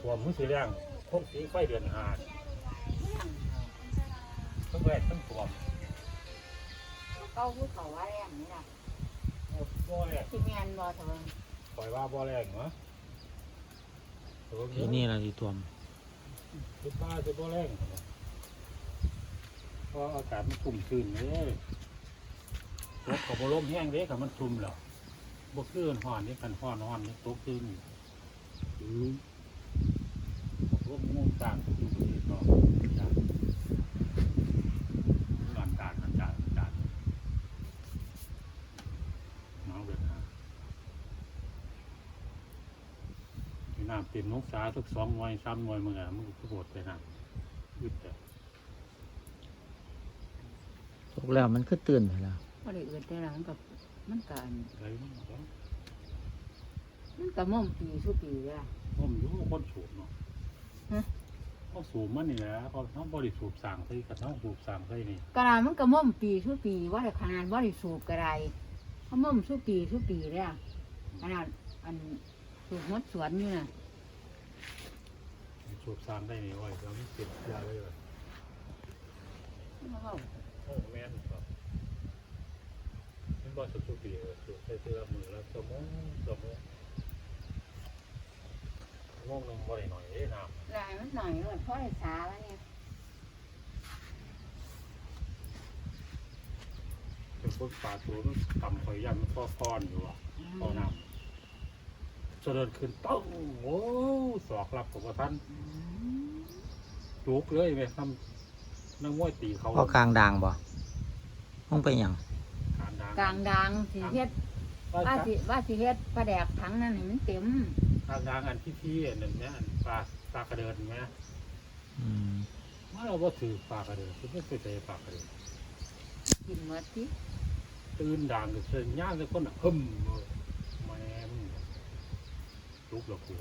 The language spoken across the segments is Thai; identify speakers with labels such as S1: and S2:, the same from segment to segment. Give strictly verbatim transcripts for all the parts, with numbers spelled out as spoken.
S1: ตัวมือสีแรงพวกสีไฟเดือนหาดทั้งแรกทั้งตัว
S2: เก้าผู้เขาว่าแรงนี่ล่ะ
S1: บ่แรง
S2: ที่แมนบ่เถอะ
S1: ปล่อยว่าบ่แรงเหรอ
S3: ทีนี่เราดีตัวม
S1: คือป้าจะบ่แรงเพราะอากาศมันชุ่มชื้นเลยตกกับลมแห้งเด้กับมันชุ่มแล้วบ่คือห่อนนี่กันห่อนห่อนนี่ตกชื้นอือลมงูต่างอยู่ที่ต่อจากงานการงานการงานการน้องเดือดหาที่น้ำเต็มนกสาทุกสองหน่วยสามหน่วยมึงอ่ะมึงก็โหดไปนะยึดแต่
S3: ตกแล้วมันก็ตื่นไปแล้ว
S2: บ่ได้เอื่นแต่ละมันกับมันกัน
S1: ไรมันก็
S2: มันกับม่อมปีสุปีเลยล่ะ
S1: ผมอยู่คนสูบเนาะเขาสูบมันนี่แหละเขาเขาบริสูบสั่งใส่กับเขาสูบสั่งใส่นี่
S2: กระดามันกับม่อมปีสุปีว่าแต่ขนาดว่าได้สูบกระไรเขาม่อมสุปีสุปีเลยอ่ะขนาดอันสูบมดสวนอยู่น่ะ
S1: สูบสั่งได้นี่โอ้ยเราไม่เก็บยาเลยเลยโอ้แม่นครับมันบ่สูบสูบปีเลยสูบใส่เสื้อมือแล้วสมองสมองมองนึงบ่ได้หน่อยเอ้น้ำ
S2: ลายมันหน่อยเลยเพราะไอ้สาแล้วเนี่ย
S1: เป็นพวกปลาตัวมันต่ำคอยยันมันก็ก้อนอยู่อ่ะพอน้ำเจริญขึ้นต้องโอ้สอกรับของท่านจุกเลยไหมทำนั่งมวยตีเขา
S3: พอกลางด่างบ่ต้องไปอย่าง
S1: การดัง
S2: กลางดังสีเฮ็ด
S1: ว่า
S2: ว่าสิว่าสิเฮ็ดปลาแดกถังนั่นนี่มันเต็ม
S1: การดังอันที่พี่อันนั้นเนี่ยอันปลาปลากระเดินไหม
S3: อืม
S1: เมื่อเราว่าถือปลากระเดินคือไม่เคยเจอปลากระเดิน
S2: กินหมดสิ
S1: ตื่นดังก็เชิญย่างเลยคนหึมเลยแม่มึงจุกเรากลัว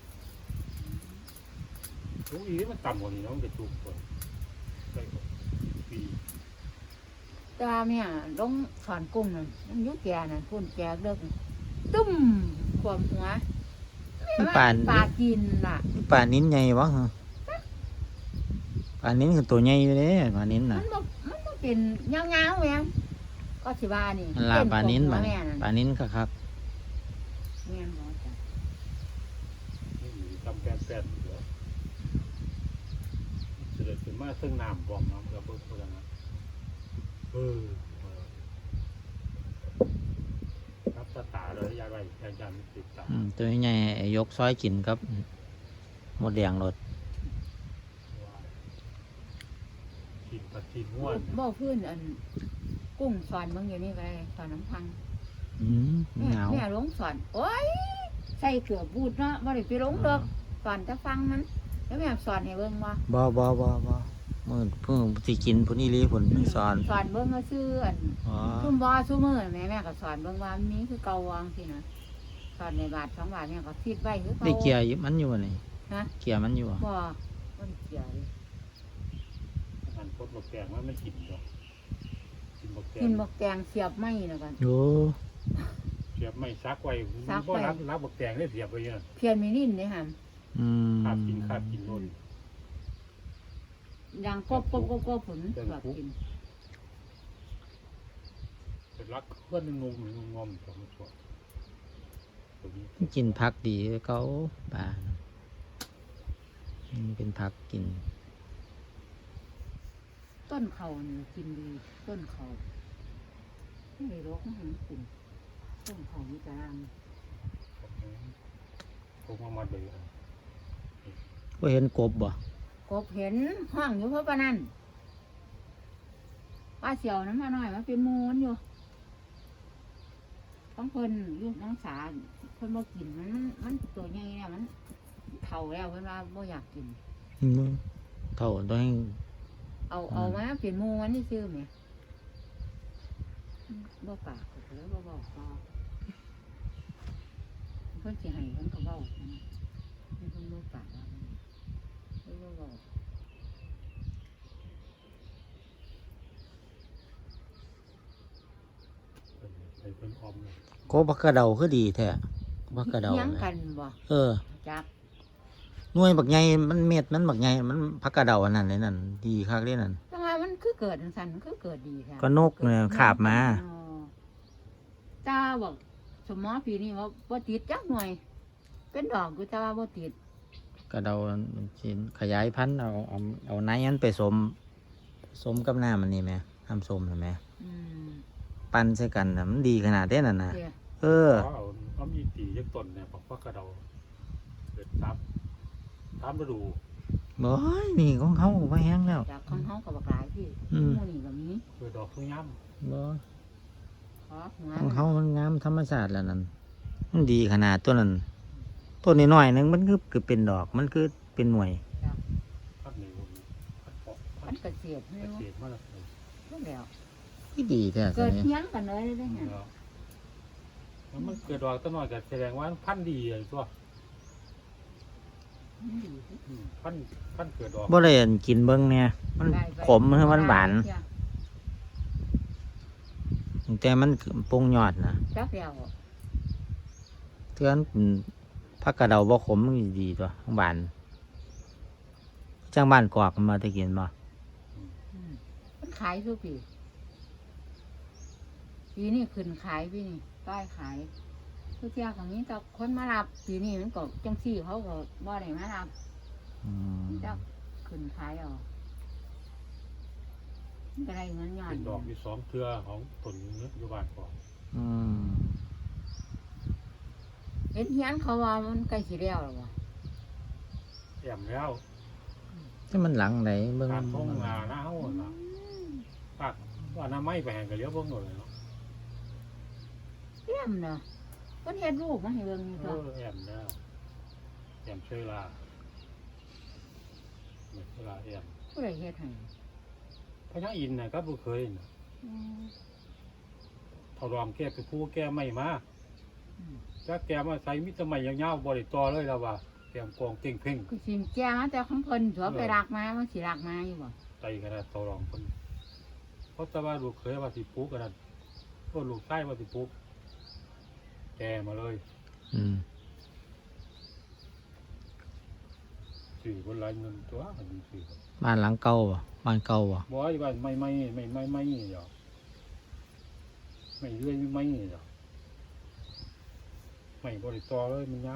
S1: จุกอีนี่มันต่ำกว่านี้นะมันจะจุกคนใช่ปี
S2: ตาเนี่ยลงสอนกุ้งนั่นมันอยุแก่น่ะพุ่นแก่เลิกตุ้มความหัว
S3: นี่ป่าน
S2: ปลากินล่ะ
S3: นี่ป่านนิ้นใหญ่วะฮะป่านนิ้นคือตัวใหญ่อยู่เด้ป่านนิ้น
S2: มั
S3: น่ะ
S2: นบ่มันบ่เป็นเงาๆแม่นก็สิว่านี่
S3: มันลาป่านนิ้น
S2: บ่
S3: ป่าน
S2: แม่นั่น
S3: ป่านนิ้นก็ครับ
S2: แม่นบ่จ้ะ
S1: นี่ทำแปนแปนเหรอเสด็จขึ้นมาซึ่งน้ำบอมน้ำระเบิดพลังงานเออครับตาตาเลยยายไปยายจำติดตา
S3: อืมตัวใหญ่ยกซอยกินครับหมดแดงรถ
S1: กินปลาจีนม้วน
S2: บ่พื้นอันกุ้งสอนเบิ่งอยู่นี่ก็ได้สอนน้ำพัง
S3: อืม
S2: แม่
S3: เหงา
S2: แม่ลงสอนโอ้ยใส่เกือบบูดเนาะบ่ได้ไปลงดอกสอนจะฟังมันแล้วแม่สอนให้เบิ่งว่า
S3: บ่บ่บ่บ่มือเพิ่งสิกินพุ่นอีหลีพุ่นสอน
S2: สอนเบิ่งก็ซื่ออัน
S3: อ๋อ
S2: ซุ่มบ่ซุ่มมือแม่แม่ก็สอนเบิ่งว่ามีคือเก่าวางสินะสอนในบาทสองบาทแม่ก็คิดไว้คือเก่า
S3: ได้เกียร์อยู่มันอยู่บ่นี่
S2: ฮะ
S3: เกียร์มันอยู่บ่
S2: บ่บ่ได้เกี่ยวเลย
S1: อันพดบกแกงว่าไม่กินหรอกกินบกแก
S2: กิ
S1: ง
S2: นบักแตงเสียบไม้แล้วกัน
S3: โอ้
S1: เสียบไม่ซักไว้
S2: ซัก
S1: เพราะ
S2: ไว้
S1: รับรับบกแกงได้เสียบไว้เนี่ย
S2: เพียนมีนิ่นเด้หั่น
S3: อืม
S1: ขาดกินขาดกินโน่น
S2: ดังกบกบกบกบผลแบบกิน
S1: เป็นรักเพื่อนงงงงงมของสวนตรงนี้
S3: กินผักดีเขาปลาอืมเป็นผักกิน
S2: ต้นเขานี่กินดีต้นเขาไม่ได้รกไม่เห็นกินต้นเขามีกระลัง
S1: ผมเอามาเลย
S3: ว่าเห็นกบบ่
S2: กบเห็นห้องอยู่เพราะปะนั่นป้าเสียวน้ำมาหน่อยมาเป็นมูนอยู่ต้องเพิ่นอยุ่น้องสาเพิ่นบ่กินมันมันมันตัวใหญ่เนี่ยมันเฒ่าแล้วเพิ่นว่าบ่อยากกิน
S3: อืมเท่าต้องให้
S2: เอาเอามาเป็นหมูมันนี่ซื้อไหมบ่ปากก็เลยบ่บอกต่อเพิ่นสิให้เพิ่นก็เว้าเพิ่นบ่ปากว่าเพิ่นบ่บอก
S1: ไปเป็นออมเลย
S3: กบบักกระเดาคือดีแท้บักกระเดา
S2: เถียง
S3: เนี่ย
S2: กันบ่
S3: เออ
S2: จัก
S3: หน่วยบักใหญ่มันเม็ดมันบักใหญ่มันผักกระเดาอันนั้นเลยนั่นดีคักเลยนั่น
S2: แต่ว่ามันคือเกิดจังซั่นมันคือเกิดดีแท้
S3: ก็นกเนี่ยขาบมา
S2: อ๋อตาบอกสมอปีนี้ว่าบ่ติดจักหน่วย เป็นดอกอยู่แต่ว่าบ่ติด
S3: กระเดาชิ้นขยายพันธุ์เอาเอาเอาไนอันไปสมสมกับน้ำมันนี่ไหมทำสมเห็นไหม
S2: อืม
S3: ปั้นใส่กันน่ะมันดีขนาดเด้นั่นนะ
S2: เด้อ
S3: เออ
S1: เพราะเอาเอามีตียักต้นเนี่ยบอกว่ากระเดาเกิดทับทับมาดู
S3: บ่ยนี่ของเขาบ่แห้งแล้ว
S2: จากของเฮาก็บักหลายพี่
S3: อืม
S2: หมู่นี่ก็มี
S1: เกิดดอกทุ่งย่
S3: บ่
S2: ขอหัว
S3: ของเขามันงามธรรมชาติแล้วนั่นมันดีขนาดตัวนั้นต้นน้อยๆหนึงมันคือคือเป็นดอกมันคือเป็นหน่วย
S1: ำพัดหนีผมพัดปอกพั
S2: มั
S1: ด
S2: นเกษตร
S1: เก
S2: นี่
S1: ษตรมาแล้ว
S2: นั่นแหล้ว
S3: ที่ดีแท้
S2: เกิด
S3: นี้
S2: เฮียงกันเลยได้ไง
S1: แล้วมันเกิดดอกต้นน้อยก็แสดงว่าพันธุ์ดีเลยตัว
S2: มันดี
S1: อืมพันธุ์พันธุ์เกิดดอก
S3: บ่ได้อันกินเบิ่งเนี่ยมัน
S2: ได้ไป
S3: ขมหรือมันหวานแต่มันปรุงยอดนะ
S2: จักแล้ว
S3: เทือนผักกระเดาบ่ขมมันดีตัวหวานจังบ้านกอกมันมาแตะกินบ่
S2: อืมมันขายทุกปีปีนี้ขึ้นขายปีนี้ป้ายขายทุกเที่ยของนี้แต่คนมารับปีนี้มันก็จังซี่เขาก็บ่ได้มารับ
S3: อืม
S2: จะขึ้นขายเอามันก็ได้เงินย้อน
S1: เป็นดอกมีสองเครือของต้นเนื้ออยู่บ้านก่อน
S3: อืม
S2: เห็นเฮียนเขาว่ามันใกล้สิแล้วหรอวะ
S1: แอมแล้ว
S3: ที่มันหลังไหนเบิ่ง
S1: การท่องงาหน้าเฮาน่ะปากว่าน้ำไม้ไปแห่งก็เลี้ยวเบิ่งหน่อยเนาะ
S2: เยี่ยมเนาะเพิ่นเฮ็ดรูปมาให้เบิ่งอยู่
S1: เอ
S2: ตัว
S1: อแอมแล้วแอมช่วยลาเนี่ยเวลาแอม
S2: ผู้ใดเฮ็ดให้
S1: พญาอินทร์น่ะก็บ่เคยน่ะ
S2: อืม
S1: เท่ารอมแก้ไปผู้แก้ไม่มา
S2: อืม
S1: ถ้าแกมาใส่มิตรไม่ยาวๆบ่ได้ต่อเลยแล้วว่าแกมกองเก่งเพ่ง
S2: ก็สิแจ้งมาแต่ของเพิ่นสัวไปรักมามันสิรักมาอยู่บ่
S1: ไตขนาดเท่ารอมเพิ่นเพราะแต่ว่าลูกเคยว่าสิปลูกกันนั่นก็ลูกชายว่าสิปลูกแกมาเลย
S3: อืม
S1: สื่อคนหลายเงินตัวอันนี้สื่อ
S3: บ้านหลังเก่าบ่บ้านเก่าบ่
S1: บ่ไอ้บ้านไม่ไม่ไม่ไม่ไม่เดี๋ยวไม่เรื่อยไม่เดี๋ยวไม่บริต่อเลยมันยาว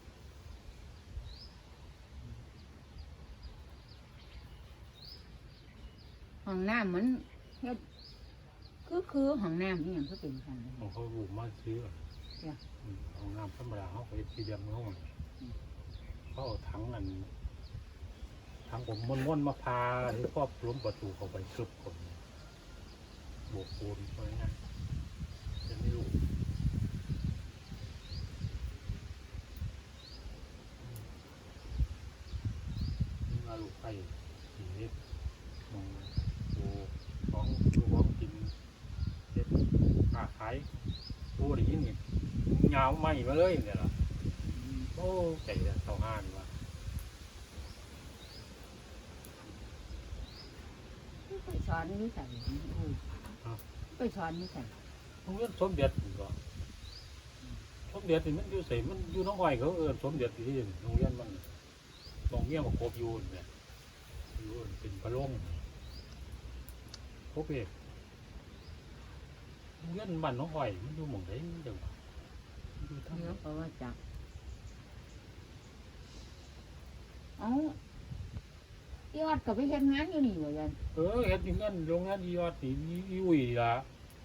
S2: ห้องน้ำมันเฮ็ดคือคือห้องน้ำนี่หยังคือเป็นซั่นเลย
S1: ของเขาลูกมาซื้อ
S2: จ้ะ
S1: อืมเอาน้ำธรรมดาเขาไปที่เดียมเขาน่ะเขาเอาถังอันถังผมม้วนๆมาพาที่ครอบล้มประตูเขาไปซึบคนโบกปูนไปงั้นจะไม่รู้นี่มาลูกไข่สีเล็กมองโอ้ของดูของกินเด็ดขาขายตัวได้ยินนี่ยาวไหมมาเลยเนี่ยล่ะโอ้ใจจะเท่าห้านว่ะ
S2: ไปสอนอยู่ไสอุ้ยไปสอนอยู่ไส
S1: โรงเรียนสมเด็จนี่ก็สมเด็จนี่มันอยู่ใส่มันอยู่น้องอ้อยเขาเออสมเด็จที่นี่โรงเรียนมันตรงเมียมาครบอยู่เนี่ยอยู่เป็นพระลงครบเอกโรงเรียนบ้านน้องอ้อยมันอยู่หม่องไหนเดี๋ยวอยู่ทาง
S2: เดี๋ยวก็ว่าจักเอ้าอีออดก็ไปเฮ็ดงานอยู่นี่ว่าซั่น
S1: เออเฮ็ดอยู่งั้นโรงงานอียอดนี่อีอีอุ้ยล่ะ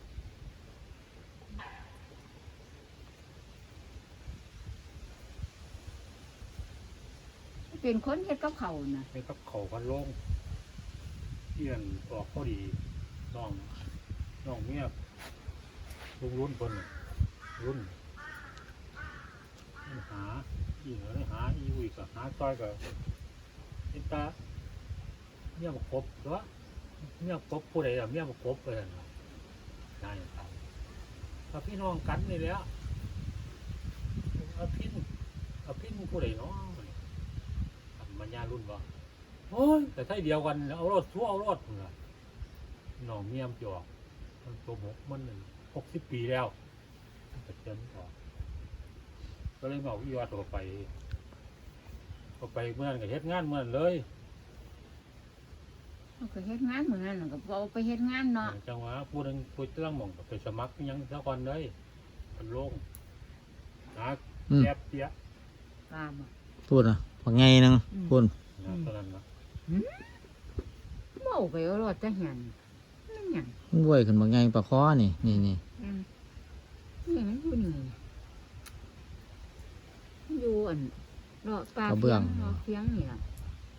S2: เป็นคนเฮ็ดกับเขาวน่ะ
S1: ไปกับเขาพันลงเที่ยนออกพอดีน้องน้องเมียลุงรุ่นคนน่ะรุ่นมันหาอีเหนือได้หาอีอุ้ยก็หาซอยก็เอ็นตาเมียมาครบเหรอเมียครบผู้ใดอะเมียมาครบเลยน่ะนายถ้าพี่น้องกันนี่แหล้วเอาพินเอาพินผู้ใดเนาะมันยารุ่นบ่โอ้ยแต่ถ้าเดียวกันเอารถทั่วเอารถเหรอน้องเมียมจอกมันตัวหกมันหกสิบปีแล้วแต่เจนต่อก็เลยเอาอีวาตัวไปก็ไปเมื่อนั้นก็เฮ็ดงานเมื่อนั้นเลย
S2: เขาก็เฮ็ดงานเหมือนกันก็เอาไปเฮ็ดงานเนาะ
S1: จังหวะผู้นึงผู้เรื่องหม่องก็ไปสมัครอิหยังซะก่อนเลยมันลงหา
S3: อืม
S1: แยบเตี้ย
S2: ตามอ่ะ
S3: พูดอ่ะว่าไงนึงพูด
S1: นะตอนนั้นนะ
S2: เมาไปเอารถจะเห็นนั่นหยัง
S3: มันรวยขึ้นว่าไงปลาคอนี่นี่นี่
S2: อืมนี่มันอยู่นี่มันอยู่อันรอปลาเพียงรอเพียงนี่ล่ะ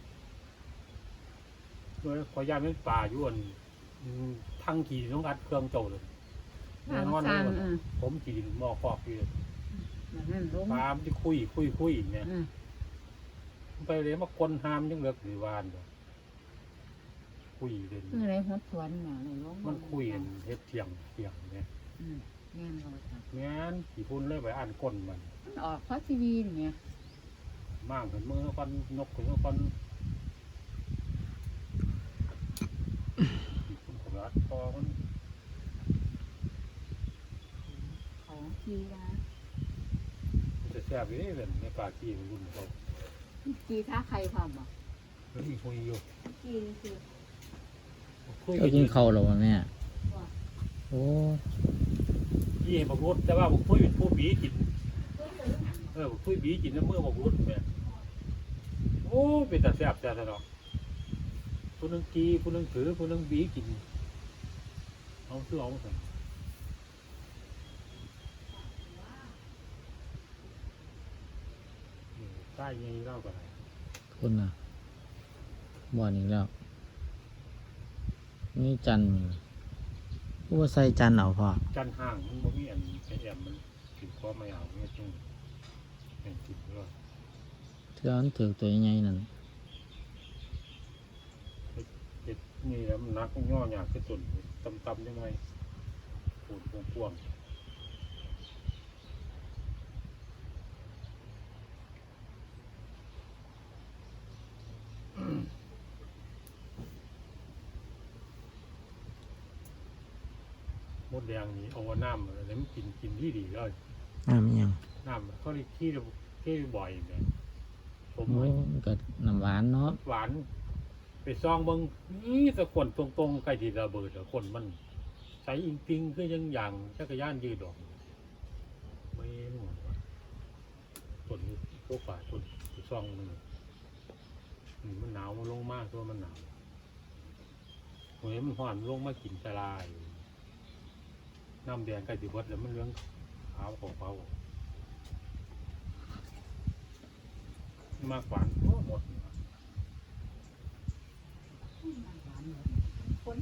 S1: เมื่อขอยามเป็นป่าอยู่อันอืมทั้งขี่ต้องอัดเครื่องโจเลย
S2: ทาง
S1: นอน
S2: ส
S1: เล
S2: ร้าง
S1: ย
S2: เออ
S1: ผมขี่หม้อคอกอยู่เลย
S2: แบบนั้นลง
S1: ปลามที่คุยคุยคุยเนี่ย
S2: เออ
S1: ไปเลยมาคนหามยังเลือกหรือวานอยู่คุยเลย
S2: คืออะไรหัวสวนน่ะเลยลง
S1: มันคุยกันเฮ็ดเถียงเถียงเนี่ย
S2: อืมแม่นบ่จ้ะ
S1: งั้นขี่พุ่นเลยไปอ่านก้นมัน
S2: มันออกเพราะทีวีนี่แหม
S1: มั่งขึ้นมือก่อนนกขึ้นมือก่อนคุณขยัดคอมัน
S2: ของทีนะ
S1: มันจะแซ่บอยู่นี่เป็นในป่าขี้มันรุ่นเขา
S2: ทีท้าใครพร้อมบ่
S1: แล้วอีกคุยอยู่
S2: ทีคือ
S1: คุย
S3: เจ้ากินข้าวแล้ววะแม่โอ้
S1: ยี่ให้บอกรุดแต่ว่าบอกคุยเป็นผู้บีกินเออบอกคุยบีกินน้ำมือบอกรุดแม่โอ้เป็นแต่แซ่บแต่เนาะผู้นึงกีผู้นึงถือผู้นึงบีกินเอาซื้อเอาสั่งใต้ยังเล่ากัน
S3: พูดนะบ่อนอีกแล้วนี่จันทร์พูดว่าใส่จันทร์เอาพอ
S1: จันห่างมันบ่มีอันไอแอมมันถือข้อไม่เอาเนี่ยจึงเป็นจิตด้วย
S3: เทือมันถือตัวใหญ่นั่น
S1: เจ็ดนี่แล้วมันนักย่อหยาบขึ้นตุ่นตำๆยังไงปูดพวงๆมดแดงนี่เอาน้ำอะไรมันกินกินที่ดีเลย
S3: น้ำอิหยัง
S1: น้ำเขาเรียกที่ที่บ่อยเนี่ยผม
S3: โอ้
S1: ไว้
S3: มันก็น้ำหวานเนาะ
S1: หวานไปซองเบิงนี่ตะขวนตรงๆใกล้ที่ระเบิดตะขวนมันใสอิงปิงคือยังอย่างจักรยานยืดดอกไม่หมดวะต้นนี้พวกป่าต้นไปซองมันนี่มันหนาวมันลงมากตัวมันหนาวเฮ้ยมันห่อนลงมากินสลายน้ำแดงใกล้ติวัดแล้วมันเลี้ยงขาวของเขามากกว่าหมด
S2: คน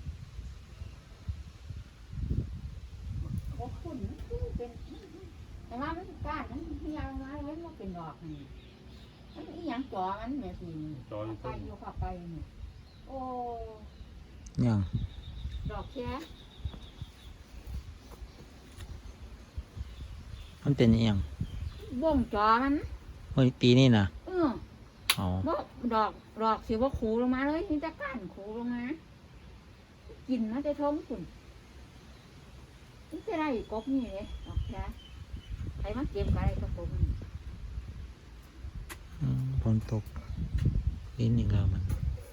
S2: บ่คุ้นมันคือเป็นแต่ว่ามันก้านมันเหี่ยวมาแล้วมันเป็นดอกนี่มันอีหยังจ่อมันแม่สิ
S1: จอย
S2: ไป
S1: ต้น
S2: อยู่เข้าไปนี่โอ้
S3: ยัง
S2: ดอกแค่
S3: มันเป็นอิหยัง
S2: บ่งจ่อมัน
S3: เฮ้ยปีนี้นะ
S2: เออ
S3: เอา
S2: บ่ดอกดอกสิบ่ขูลงมาเลยมีแต่ก้านขูลงมากินมาแต่ท้องคุณนี่จะได้กบนี่เลยดอกแค่ใครมาเก็บก็ได้ก็กบนี่
S3: อืมฝนตกลิ้นอีกแล้วมัน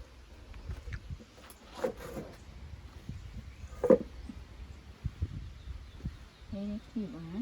S2: เฮ้ยขีบอ่ะ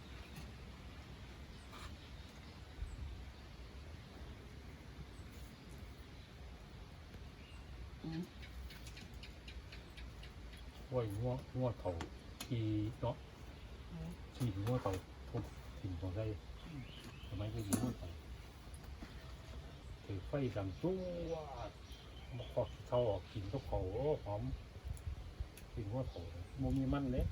S1: ห้วยงัวงัวเต่าทีเนาะทีงัวเต่าทุบถิ่นของไทยทำไมไม่ดีงัวเต่าถือไฟดังตัวมาขอกเท่าออกกินก็เขาโอ้หอมกินงัวเต่าโมมีมันเลย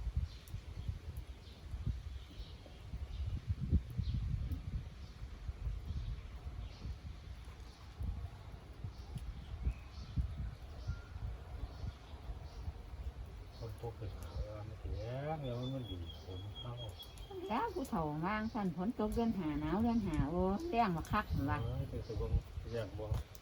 S1: คนพวกเกิดหาว่าไม่เสียแล้วมันดีผมเข้า
S2: แล้วผู้เฒ่าวางสั่นฝนตกเดือนหาหนาวเดือนหาโอ้แต้งมาคักเหมือนว่า
S1: เออเป็นตัวอย่างบ่